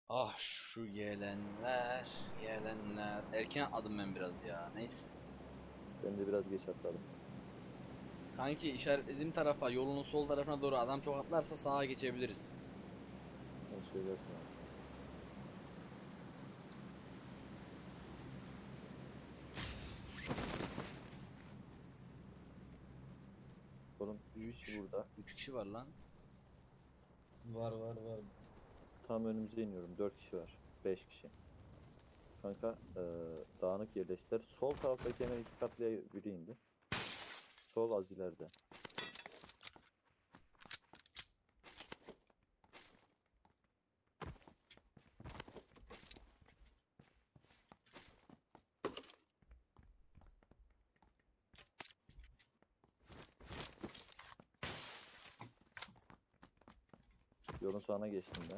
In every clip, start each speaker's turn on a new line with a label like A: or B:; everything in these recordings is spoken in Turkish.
A: Ah şu gelenler, gelenler. Erken atladım ben biraz ya. Neyse.
B: Ben de biraz geç atladım.
A: Kanki işaretlediğim tarafa, yolunun sol tarafına doğru adam çok atlarsa sağa geçebiliriz.
B: Sen söylersin abi. Oğlum 3 kişi
A: 3
B: burada.
A: 3 kişi var lan.
C: Var.
B: Tam önümüze iniyorum. 4 kişi var. 5 kişi. Kanka dağınık yerleştiler. Sol taraftaki hemen iki katlıya biri indi. Sol az ileride. Yolun sağına geçtim ben.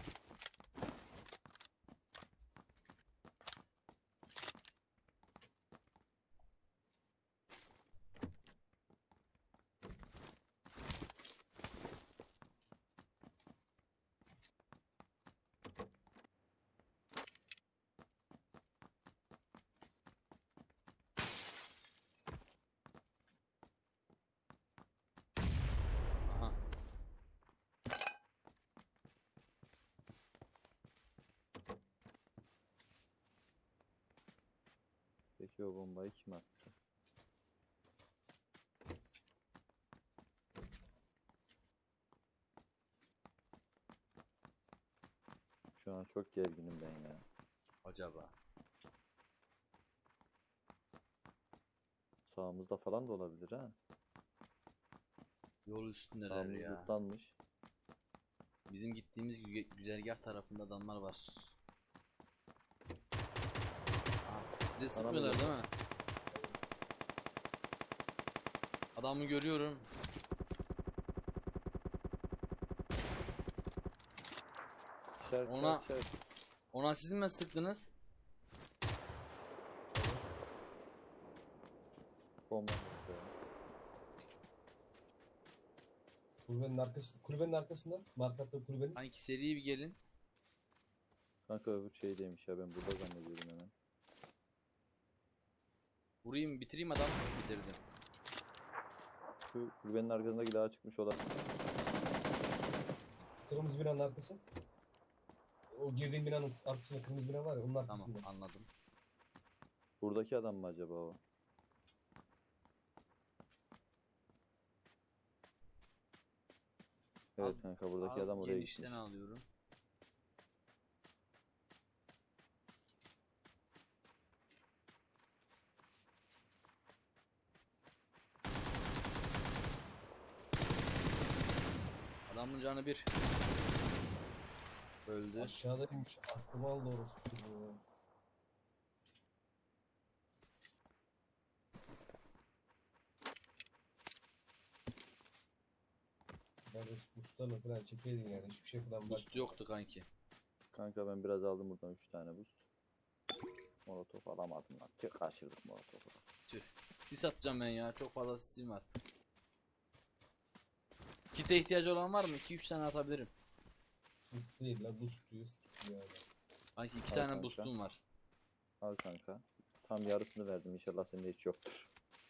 A: Aha.
B: Peki o bombayı kim attı? Şu an çok gerginim ben ya.
A: Acaba.
B: Sağımızda falan da olabilir ha.
A: Yol üstündeler
B: Sağımız
A: ya.
B: lootlanmış.
A: Bizim gittiğimiz güzergah tarafında adamlar var. Aa, size sıkmıyorlar değil mi? Adamı görüyorum.
B: İşaret,
A: Ona-
B: işaret.
A: Ona siz mi sıktınız?
B: Bomba attı.
C: Kulübenin arkasında. Markatlı kulübenin.
A: Kanki seri bir gelin.
B: Kanka öbür şeydeymiş ya, ben burada zannediyordum hemen.
A: Vurayım bitireyim adam. Bitirdim.
B: Şu kulübenin arkasındaki dağa çıkmış olan.
C: Kırmızı binanın arkası. O girdiğin binanın arkasında kırmızı bina var ya onun
A: Tamam
C: arkasında.
A: anladım.
B: Buradaki adam mı acaba o? Evet
A: Al-
B: kanka, buradaki
A: Al,
B: adam oraya
A: genişten
B: gitmiş.
A: alıyorum. Adamın canı bir. Öldü.
C: Aşağıdaymış. Aklıma aldı orası. Kardeş boostlarla falan çekeydin yani. Hiçbir şey falan
A: Boost yoktu kanki.
B: Kanka ben biraz aldım buradan 3 tane boost. Molotof alamadım lan. Tüh, kaçırdık molotofu.
A: Tüh. Sis atacağım ben ya. Çok fazla sisim var. Kite ihtiyacı olan var mı? 2-3 tane atabilirim.
C: Değil la boost diyor. Stick diyor yani.
A: Kanki 2
B: Al
A: tane
B: kanka.
A: boostum var.
B: Al kanka. Tam yarısını verdim, inşallah sende hiç yoktur.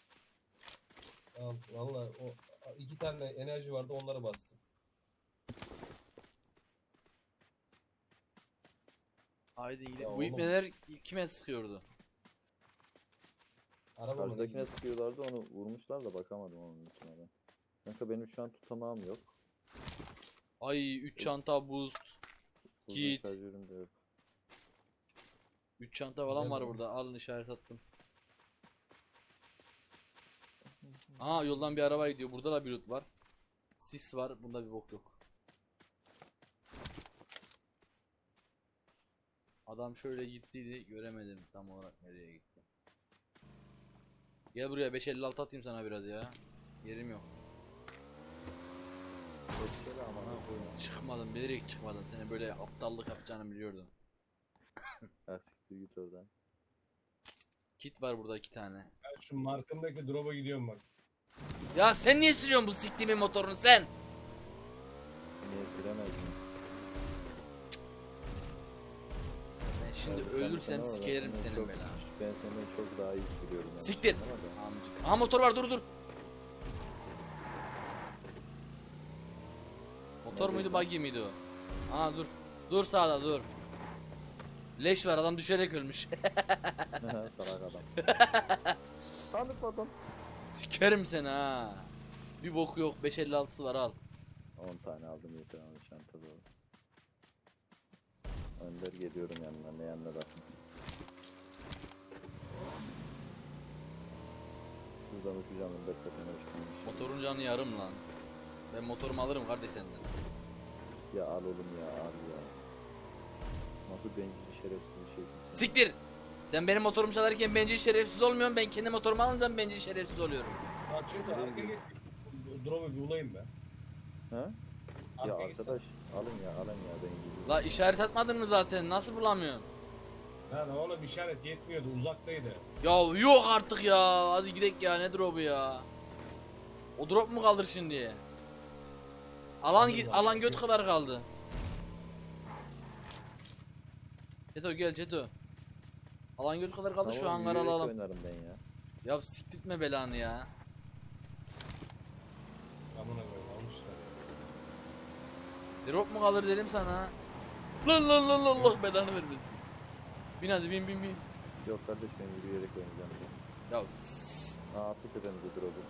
C: Al valla o iki tane enerji vardı onlara bastım.
A: Haydi gidelim.
C: Ya
A: Bu
C: oğlum.
A: ipneler kime sıkıyordu?
C: Araba mı?
B: Karşıdakine sıkıyorlardı, onu vurmuşlar da bakamadım onun üstüne ben. Kanka benim şu an tutamağım yok.
A: Ay 3 çanta boost.
B: Uzun
A: Git.
B: şarjörüm de yok.
A: 3 çanta falan
C: Gel
A: var
C: oğlum.
A: burada. Alın işaret attım. Aa yoldan bir araba gidiyor. Burada da bir loot var. Sis var. Bunda bir bok yok. Adam şöyle gittiydi. Göremedim tam olarak nereye gitti. Gel buraya 556 atayım sana biraz ya. Yerim yok.
B: Geçsene aman
A: Ha,
B: koyma.
A: çıkmadım. Bilerek çıkmadım. Seni böyle aptallık yapacağını biliyordum.
B: Ha, siktir git oradan.
A: Kit var burada 2 tane.
C: Ben şu markındaki drop'a gidiyorum bak.
A: Ya sen niye sürüyorsun bu siktiğimin motorunu sen?
B: Niye süremezdim?
A: Şimdi
B: Ben
A: ölürsem
B: sana var ya,
A: sikerim
B: senden
A: senin
B: çok-
A: belanı.
B: Ben senden çok daha iyi biliyorum. Yani.
A: Siktir.
B: Ama da-
A: Amcık. Aha motor var, dur. Motor muydu,
B: Neredeydi?
A: buggy miydi o? Aa dur. Dur sağda dur. Leş var, adam düşerek ölmüş.
B: Salak adam. Tanıtmadım.
A: Sikerim seni ha. Bir boku yok, 556'sı var, al.
B: 10 tane aldım yeter abi çantada. Önder geliyorum yanına, ne yanına da. Buradan uçacağım Önder tepene uçmamış.
A: Motorun canı yarım lan. Ben motorumu alırım kardeş senden.
B: Ya al oğlum ya al ya. Nasıl bencil şerefsiz bir şeysin sen.
A: Siktir. Sen benim motorumu çalarken bencil şerefsiz olmuyorsun. Ben kendi motorumu alınca bencil şerefsiz oluyorum.
C: Bak çünkü arka geç. Drop'u bir bulayım ben.
B: Ha? Ya
C: Arka gitsen.
B: arkadaş alın ya bencil.
A: La işaret atmadın mı zaten? Nasıl bulamıyorsun?
C: Lan oğlum işaret yetmiyordu, uzaktaydı.
A: Ya yok artık ya. Hadi gidelim ya. Ne drop'u ya? O drop mu kaldır şimdi? Alan
C: Kaldır
A: alan
C: zaten.
A: göt kadar kaldı. Çeto gel Çeto. Alan göt kadar kaldı, şu hangarı
B: yürüyerek
A: alalım.
B: oynarım ben ya.
A: Ya siktirtme belanı ya.
C: Amına koyayım almışlar.
A: Drop mu kalır dedim sana. Lan Allah belanı vermesin. Bin hadi bin.
B: Yok kardeş ben yürüyerek oynayacağım.
A: Ya
B: Attık tepemize drop'u.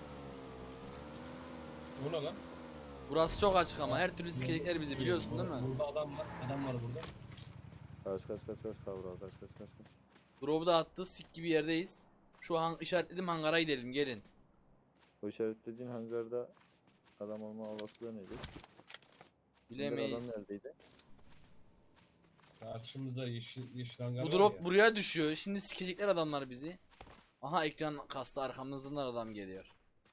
C: Bu ne lan?
A: burası çok açık ama her türlü sikecekler bizi, biliyorsun değil mi?
C: Burada adam var. Adam var burada.
B: Kaç kavra kaç.
A: Drop'u da attı, sik gibi yerdeyiz. Şu an işaretledim, hangara gidelim, gelin.
B: O işaretlediğin hangarda adam olma olasılığı neydi? Hangar
A: Bilemeyiz.
B: adam neredeydi?
C: Karşımızda yeşil hangar
A: Bu
C: var
A: drop
C: ya.
A: buraya düşüyor. Şimdi sikecekler adamlar bizi. Aha ekran kastı, arkamızdan adam geliyor.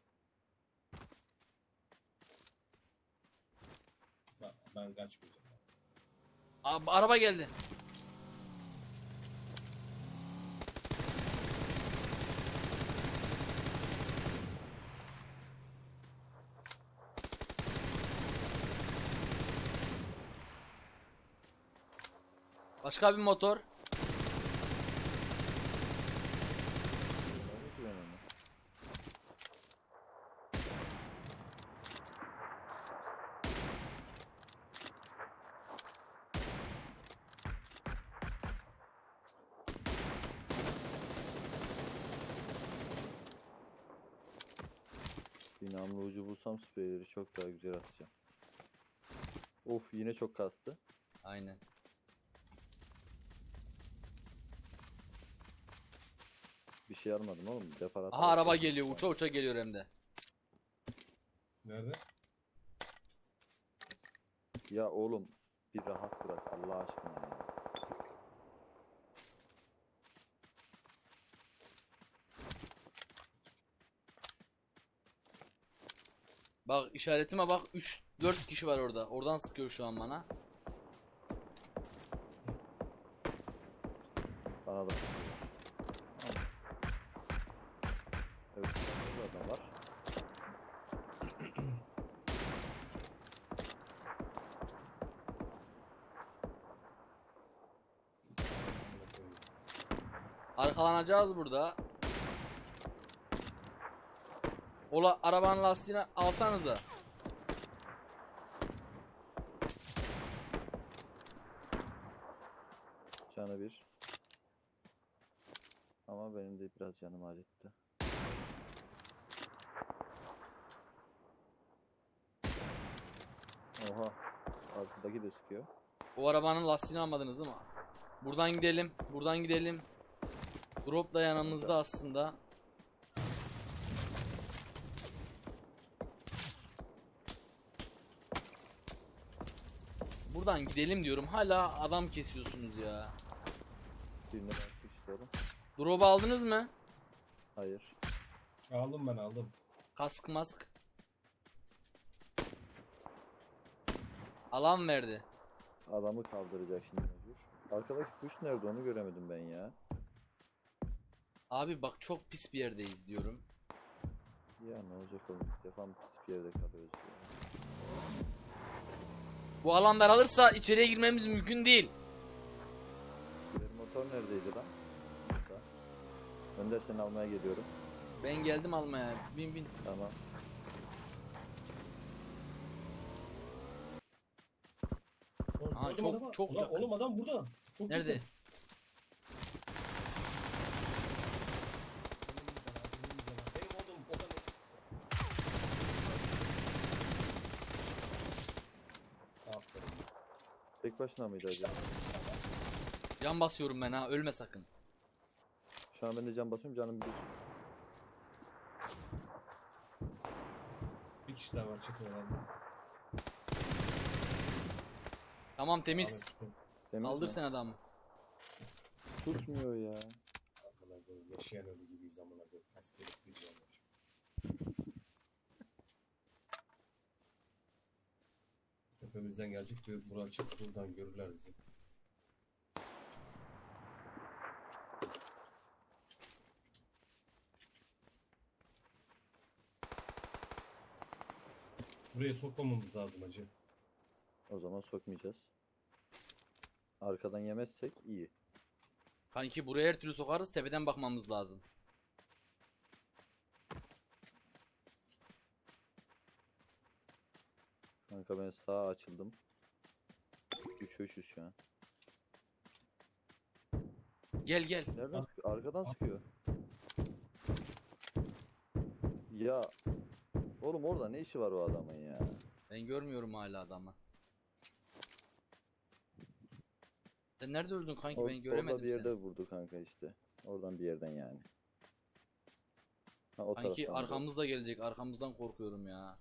C: Ben kaçmayacağım.
A: Abi, araba geldi. Başka bir motor.
B: Görmedim ki ben onu. Bir namlu ucu bulsam spreyleri çok daha güzel atacağım. Of yine çok kastı.
A: Aynen.
B: Bir şey almadım oğlum. Defarat.
A: Aha araba geliyor, uça geliyor hem de.
C: Nerede?
B: Ya oğlum bir rahat bırak Allah aşkına ya.
A: Bak işaretime bak, 3-4 kişi var orada. Oradan sıkıyor şu an bana.
B: Bana da. Evet, burada adam var.
A: Arkalanacağız burada. Ola arabanın lastiğini alsanıza.
B: Canı bir. Ama benim de biraz canım acıttı. Oha. Arkadaki de sıkıyor.
A: O arabanın lastiğini almadınız değil mi? Buradan gidelim. Buradan gidelim. Drop da yanımızda aslında. Buradan gidelim diyorum. Hala adam kesiyorsunuz ya.
B: Birine baktık işte oğlum.
A: Drop'u aldınız mı?
B: Hayır.
C: Aldım ben aldım.
A: Kask mask. Alan verdi.
B: Adamı kaldıracak şimdi mecbur. Arkadaki kuş nerede onu göremedim ben ya.
A: Abi bak çok pis bir yerdeyiz diyorum.
B: Ya ne olacak oğlum ilk defa mı pis bir yerde kalıyoruz ya.
A: Bu alan daralırsa içeriye girmemiz mümkün değil.
B: Girelim Motor neredeydi lan? Burada. Önder seni almaya geliyorum.
A: Ben geldim almaya. Bin bin.
B: Tamam.
C: Oğlum,
A: Aa,
C: gördüm
A: çok-
C: adamı.
A: çok
C: Ulan
A: yakın.
C: oğlum adam burada. Çok
A: Nerede?
C: yakın. Benim oğlum o da Aferin.
B: Tek başına mıydı acaba?
A: Can basıyorum ben ha. Ölme sakın.
B: Şu an ben de can basıyorum, canım bir.
C: Bir kişi daha var çıkıyor herhalde.
A: Tamam temiz.
C: Ahmet tutun.
B: Temiz
A: Kaldır
B: mi?
A: sen adamı.
B: Tutmuyor ya.
C: Amına koyayım, yaşayan ölü gibiyiz amına koyayım. Kaç kere gideceğim ya. Tepemizden gelecek bir bura açıp buradan görürler bizi. Buraya sokmamamız lazım acı.
B: O zaman sokmayacağız. Arkadan yemezsek iyi.
A: Kanki buraya her türlü sokarız. Tepeden bakmamız lazım.
B: Kanka ben sağa açıldım. 3-3'üz şu an.
A: Gel gel.
B: Nereden sıkıyor? Arkadan sıkıyor. Ya oğlum orada ne işi var o adamın ya?
A: Ben görmüyorum hala adamı. Sen nerede öldün kanki? Ben göremedim
B: orada bir yerde
A: seni.
B: vurdu kanka işte. Oradan bir yerden yani. Ha, o
A: Kanki
B: taraftan vurdu.
A: arkamızda gelecek. Arkamızdan korkuyorum ya.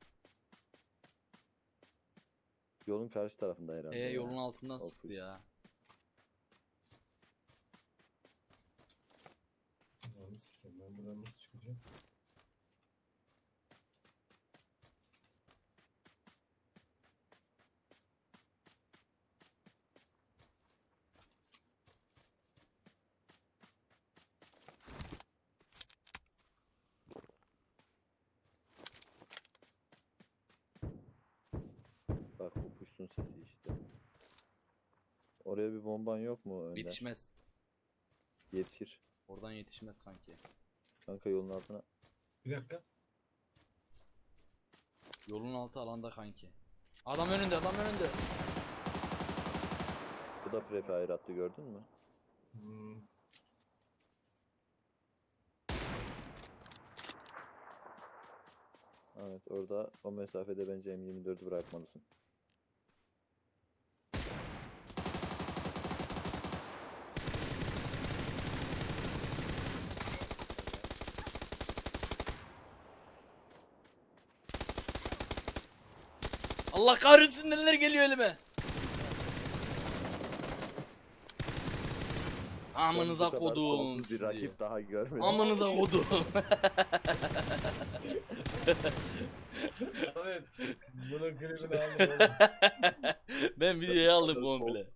B: Yolun karşı tarafında herhalde. ya.
A: Yolun altından
B: Of,
A: sıktı
B: üf.
A: ya.
C: Ananı sikeyim, ben buradan nasıl çıkacağım?
B: Bak bu kuşun sesi işte. Oraya bir bomban yok mu Önder?
A: Yetişmez.
B: Yetişir.
A: Oradan yetişmez kanki.
B: Kanka yolun altına.
C: Bir dakika.
A: Yolun altı alanda kanki. Adam önünde, adam önünde.
B: Bu da prefe ayrattı, gördün mü?
C: Hmm.
B: Evet, orada o mesafede bence M24'ü bırakmalısın.
A: Allah kahretsin neler geliyor elime. Amınıza
B: Ben bu kadar
A: kodum
B: kolsuz bir
A: sizi.
B: rakip daha görmedim.
A: Amınıza kodum.
C: Evet. Bunun klibini aldım oğlum.
A: Ben videoyu aldım
B: Kol-
A: komple.